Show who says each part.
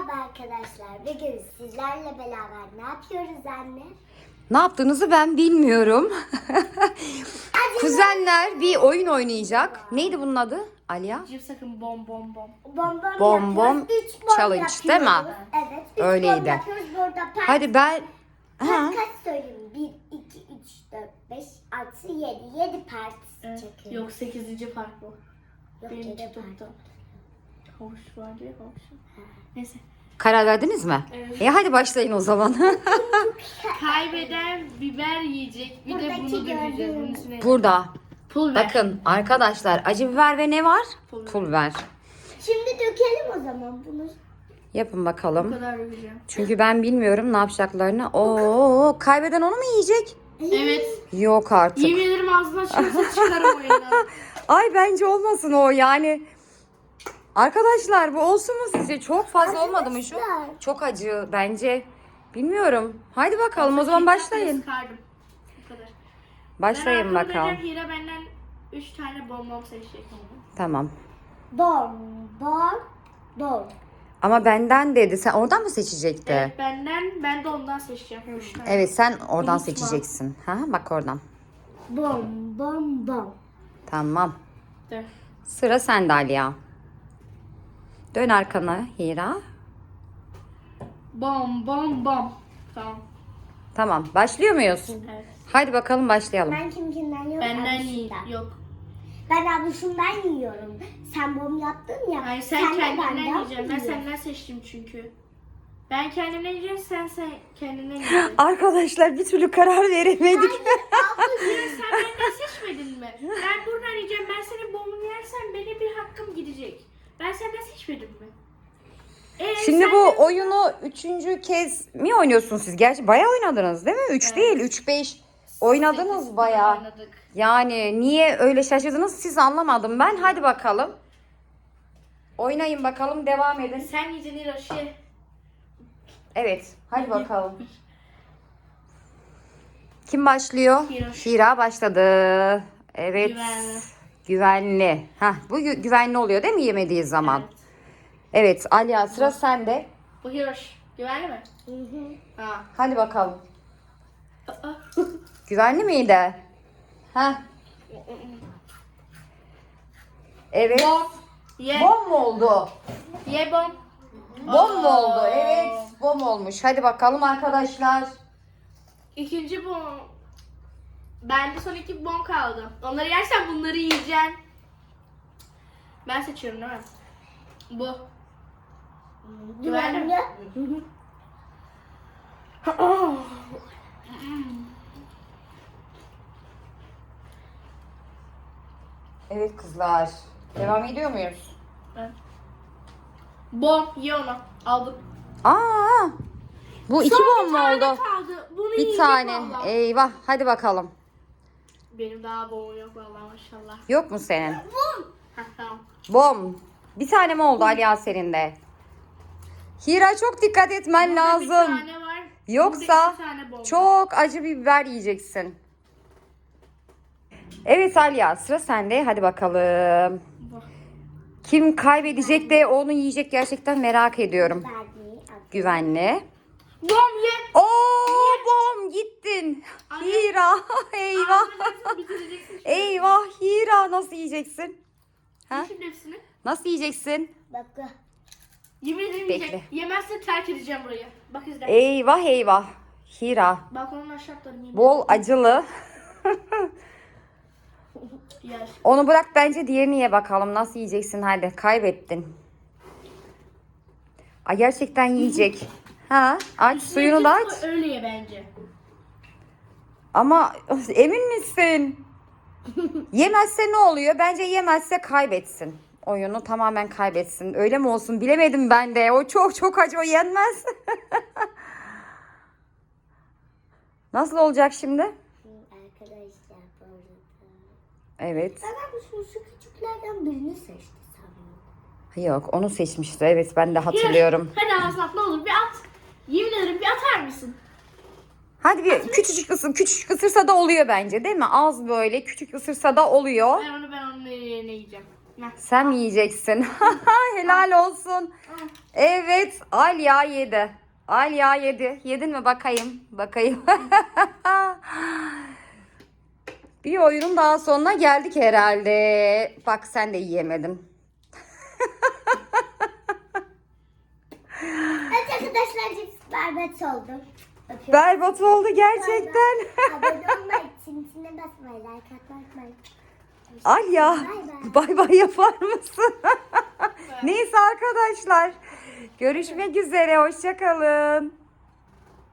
Speaker 1: Merhaba arkadaşlar. Bugün sizlerle beraber ne yapıyoruz anne?
Speaker 2: Ne yaptığınızı ben bilmiyorum. Kuzenler bir oyun oynayacak. Neydi bunun adı? Aliya?
Speaker 3: Cips sakın bom bom bom.
Speaker 1: Bom
Speaker 2: Bom
Speaker 1: Üç bom
Speaker 2: challenge,
Speaker 1: yapıyoruz.
Speaker 2: değil mi?
Speaker 1: Evet. Üç
Speaker 2: Öyleydi.
Speaker 1: bom yapıyoruz. Burada
Speaker 2: Hadi ben... Ha.
Speaker 1: kaç söyleyeyim? 1, 2, 3, 4, 5, 6, 7. 7 part çekiyoruz.
Speaker 3: Yok 8. fark bu.
Speaker 1: Yok,
Speaker 3: Benim
Speaker 1: 7
Speaker 3: TikTok'ta. Havuç vardı ya havuç. Neyse.
Speaker 2: Karar verdiniz mi?
Speaker 3: Evet.
Speaker 2: Hadi başlayın o zaman.
Speaker 3: Kaybeden biber yiyecek. Bir de
Speaker 1: Buradaki
Speaker 3: bunu dökeceğiz. Bunun
Speaker 1: gördüğünüz.
Speaker 3: üstüne.
Speaker 2: Burada.
Speaker 3: Pul biber.
Speaker 2: Bakın arkadaşlar, acı biber ve ne var? Pul biber.
Speaker 1: Şimdi dökelim o zaman bunu.
Speaker 2: Yapın
Speaker 3: Bu
Speaker 2: bakalım.
Speaker 3: kadar dökeceğim.
Speaker 2: Çünkü ben bilmiyorum ne yapacaklarını. Oo, kaybeden onu mu yiyecek?
Speaker 3: Evet.
Speaker 2: Yok artık.
Speaker 3: Yemin ederim ağzından çıkarsa çıkarım oyundan.
Speaker 2: Ay bence olmasın o yani. Arkadaşlar bu olsun mu sizce? Çok fazla olmadı mı şu?
Speaker 1: Arkadaşlar.
Speaker 2: Çok acı bence. Bilmiyorum. Haydi bakalım o zaman başlayın.
Speaker 3: Sıkardım. Bu kadar.
Speaker 2: Başlayın
Speaker 3: Ben
Speaker 2: bakalım.
Speaker 3: Hira benden 3 tane bonbon seçecek.
Speaker 2: Tamam.
Speaker 1: Bom.
Speaker 2: Ama benden dedi. Sen oradan mı seçecekti?
Speaker 3: Evet, ben de ondan seçeceğim. 3 tane.
Speaker 2: Evet sen oradan
Speaker 3: Unutma.
Speaker 2: seçeceksin. Ha, bak oradan.
Speaker 1: Bom.
Speaker 2: Tamam.
Speaker 3: Dur.
Speaker 2: Sıra sende Aliya. Dön arkana Hira.
Speaker 3: Bom bom bom. Tamam.
Speaker 2: Tamam. Başlıyor muyuz?
Speaker 3: Evet.
Speaker 2: Haydi bakalım başlayalım.
Speaker 1: Ben kimkinden yok.
Speaker 3: Benden
Speaker 1: abişimden.
Speaker 3: iyi. Yok.
Speaker 1: Ben abişimden yiyorum. Sen bom yaptın ya.
Speaker 3: Hayır sen
Speaker 1: de
Speaker 3: kendinden
Speaker 1: benden
Speaker 3: yiyeceksin. Ben
Speaker 1: yiyorsun.
Speaker 3: senden seçtim çünkü. Ben kendimden yiyeceğim, sen kendinden yiyeceksin.
Speaker 2: Arkadaşlar bir türlü karar veremedik.
Speaker 3: Sen benden seçmedin mi? Ben buradan yiyeceğim. Ben senin bomunu yersem benim bir hakkım gidecek. Ben senden seçmedim mi?
Speaker 2: Şimdi
Speaker 3: sen
Speaker 2: bu
Speaker 3: de-
Speaker 2: oyunu 3. kez mi oynuyorsunuz siz? Gerçi bayağı oynadınız değil mi? 3 değil, 3-5 oynadınız
Speaker 3: Sekiz
Speaker 2: bayağı.
Speaker 3: oynadık.
Speaker 2: Yani niye öyle şaşırdınız siz anlamadım ben. Hadi bakalım. Oynayın bakalım, devam edin.
Speaker 3: Sen yiyeceksin Hiroşi.
Speaker 2: Evet, hadi bakalım. Kim başlıyor? Hira başladı. Evet.
Speaker 3: Güvenli.
Speaker 2: Güvenli. Hah, bu güvenli oluyor değil mi yemediği zaman?
Speaker 3: Evet.
Speaker 2: Evet, Aliya sıra sende.
Speaker 3: Bu Hiroş. Güvenli mi? Ha.
Speaker 2: Hadi bakalım.
Speaker 3: Aa.
Speaker 2: Güvenli miydi? Ha. Evet.
Speaker 3: Bom. Ye.
Speaker 2: Bom mu oldu?
Speaker 3: Ye bom.
Speaker 2: Bom mu oldu?
Speaker 3: Aa.
Speaker 2: Evet, bom olmuş. Hadi bakalım arkadaşlar.
Speaker 3: İkinci bom. Bende son 2 bom kaldı. Onları yersen bunları yiyeceksin. Ben seçiyorum değil mi? Bu.
Speaker 1: Güvenli.
Speaker 2: Evet kızlar. Devam ediyor muyuz?
Speaker 3: Evet. Bom. Ye onu. Aldım.
Speaker 2: Aa! Bu iki bom mu oldu?
Speaker 3: Kaldı. Bunu
Speaker 2: Bir
Speaker 3: yiyecek
Speaker 2: tane.
Speaker 3: vallahi.
Speaker 2: Eyvah. Hadi bakalım.
Speaker 3: Benim daha bomum yok vallahi maşallah.
Speaker 2: Yok mu senin?
Speaker 3: Heh, tamam.
Speaker 2: Bom. Bir tane mi oldu Ali senin de? Hira çok dikkat etmen
Speaker 3: Burada
Speaker 2: lazım.
Speaker 3: Bir tane var.
Speaker 2: Yoksa
Speaker 3: Burada 2 tane bom var.
Speaker 2: çok acı bir biber yiyeceksin. Evet Aliya sıra sende. Hadi bakalım.
Speaker 3: Bu.
Speaker 2: Kim kaybedecek de onu yiyecek gerçekten merak ediyorum. Güvenli.
Speaker 3: Bom ye.
Speaker 2: Oo bom gittin.
Speaker 3: Anne.
Speaker 2: Hira eyvah.
Speaker 3: Ağzını bitireceksin şimdi.
Speaker 2: Eyvah Hira nasıl yiyeceksin? Ha?
Speaker 3: Şimdi hepsini.
Speaker 2: Nasıl yiyeceksin?
Speaker 1: Bak.
Speaker 3: Yemin ederim
Speaker 2: Bekle.
Speaker 3: yiyecek. Yemezse terk edeceğim burayı. Bak izle.
Speaker 2: Eyvah eyvah. Hira
Speaker 3: Balkonun aşağı atlarım yemin
Speaker 2: bol acılı.
Speaker 3: Yer.
Speaker 2: Onu bırak bence diğerini ye bakalım. Nasıl yiyeceksin hadi. Kaybettin. Ay gerçekten yiyecek. Ha aç suyunu da aç.
Speaker 3: Öyle ye bence.
Speaker 2: Ama emin misin? Yemezse ne oluyor? Bence yemezse kaybetsin. Oyunu tamamen kaybetsin. Öyle mi olsun? Bilemedim ben de. O çok acı, o yenmez. Nasıl olacak şimdi?
Speaker 1: Arkadaşlar bu arada.
Speaker 2: Evet.
Speaker 1: Ben şu küçüklerden birini seçti sanırım.
Speaker 2: Yok onu seçmişti. Evet ben de hatırlıyorum.
Speaker 3: Hadi ağzına at ne olur bir at. Yemin ederim bir atar mısın?
Speaker 2: Hadi bir küçücük ısır. Küçücük ısırsa da oluyor bence değil mi? Az böyle küçük ısırsa da oluyor.
Speaker 3: Ben onun yerine yiyeceğim.
Speaker 2: Sen mi yiyeceksin? Helal olsun. Evet, Alya yedi. Alya yedi. Yedin mi bakayım? Bakayım. Bir oyunun daha sonuna geldik herhalde. Bak sen de yiyemedin.
Speaker 1: Evet arkadaşlar cips berbat oldum. Öpüyorum.
Speaker 2: Berbat oldu gerçekten.
Speaker 1: Abone olmayı, çintine basmayı, like atmayı unutmayın.
Speaker 2: Alya,
Speaker 1: Bay bay.
Speaker 2: bay bay yapar mısın? Neyse arkadaşlar. Görüşmek üzere. Hoşça kalın.